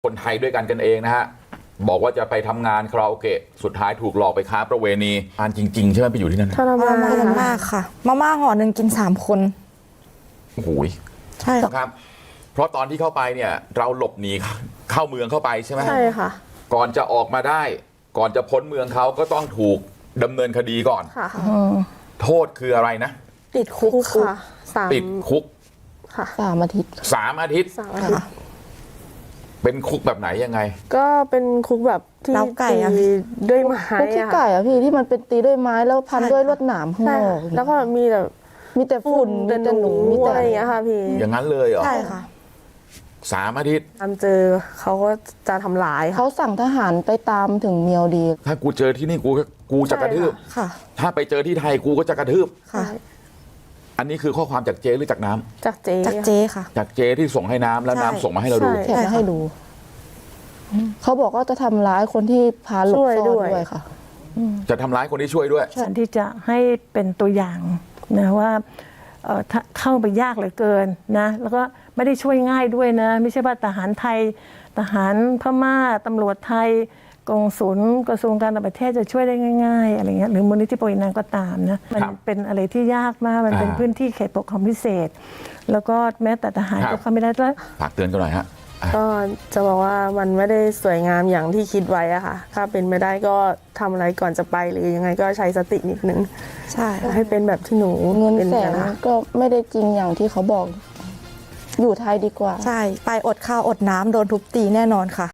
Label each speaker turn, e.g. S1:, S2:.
S1: คนไทยด้วยกันเองนะฮะบอกว่าจะไปทำงานคาราโอเกะสุดท้ายถูกหลอกไปค้าประเวณีอ่านจริงๆใช่ไหมไปอยู่ที่นั่น
S2: ทรมาน
S3: มากค่ะมาม่าห่อหนึ่งกิน3 คน
S1: โอ้โห
S3: ใช่
S1: ครับเพราะตอนที่เข้าไปเนี่ยเราหลบหนีเข้าเมืองเข้าไปใช่ไหม
S2: ใช่ค่ะ
S1: ก่อนจะออกมาได้ก่อนจะพ้นเมืองเขาก็ต้องถูกดำเนินคดีก่อน
S2: ค่ะ
S1: โทษคืออะไรนะ
S2: ติดคุกค่ะ
S1: ติดคุก
S2: ค่ะ
S3: 3 อาทิตย์
S1: 3 อาทิตย์
S2: 3 อาทิตย์
S1: เป็นคุกแบบไหนยังไง
S2: ก็เป็นคุกแบบที่ตีด้วยไม้
S3: คุกขี้ไก่อะพี่ที่มันเป็นตีด้วยไม้แล้วพันด้วยลวดหนามข้างนอก
S2: แล้วก็มีแต่
S3: ฝุ่นมีแต่หนูมีแต่
S2: อะไรอย่างเงี้ยค่ะพี่
S1: อย่างนั้นเลยเหรอ
S3: ใช่ค่ะ
S1: 3 อาทิตย์
S2: ตามเจอเขาก็จะทำร้าย
S3: เขาสั่งทหารไปตามถึงเมียวดี
S1: ถ้ากูเจอที่นี่กูจะกระทืบ
S3: ค่ะ
S1: ถ้าไปเจอที่ไทยกูก็จะกระทืบ
S3: ค่ะ
S1: อันนี้คือข้อความจากเจหรือจากน้ำ
S2: จากเจ
S3: ค่ะ
S1: จากเจที่ส่งให้น้ำแล้วน้ำส่งมาให้เราดู
S3: แถมมาให้ดูเขาบอกว่าจะทำร้ายคนที่พาหลบซ่อนด้วยค่ะ
S1: จะทำร้ายคนที่ช่วยด้วย
S4: ฉันที่จะให้เป็นตัวอย่างนะว่าเข้าไปยากเหลือเกินนะแล้วก็ไม่ได้ช่วยง่ายด้วยนะไม่ใช่ว่าทหารไทยทหารพม่าตำรวจไทยกงสุลกระทรวงการต่างประเทศจะช่วยได้ง่ายๆอะไรเงี้ยหรือมูลนิธิปวีนาก็ตามนะมันเป็นอะไรที่ยากมากมันเป็นพื้นที่เขตปกครองพิเศษแล้วก็แม้แต่ทหารก็เข้าไม่ได้ด้วย
S1: ฝากเตือนกันหน่อยฮะ
S2: ก็จะบอกว่ามันไม่ได้สวยงามอย่างที่คิดไว้อะค่ะถ้าเป็นไม่ได้ก็ทำอะไรก่อนจะไปหรือยังไงก็ใช้สตินิดนึง
S3: ใช่
S2: ให้เป็นแบบที่หนู
S3: เงินแสนก็ไม่ได้จริงอย่างที่เขาบอกอยู่ไทยดีกว่าใช่ไปอดข้าวอดน้ำโดนทุบตีแน่นอนค่ะ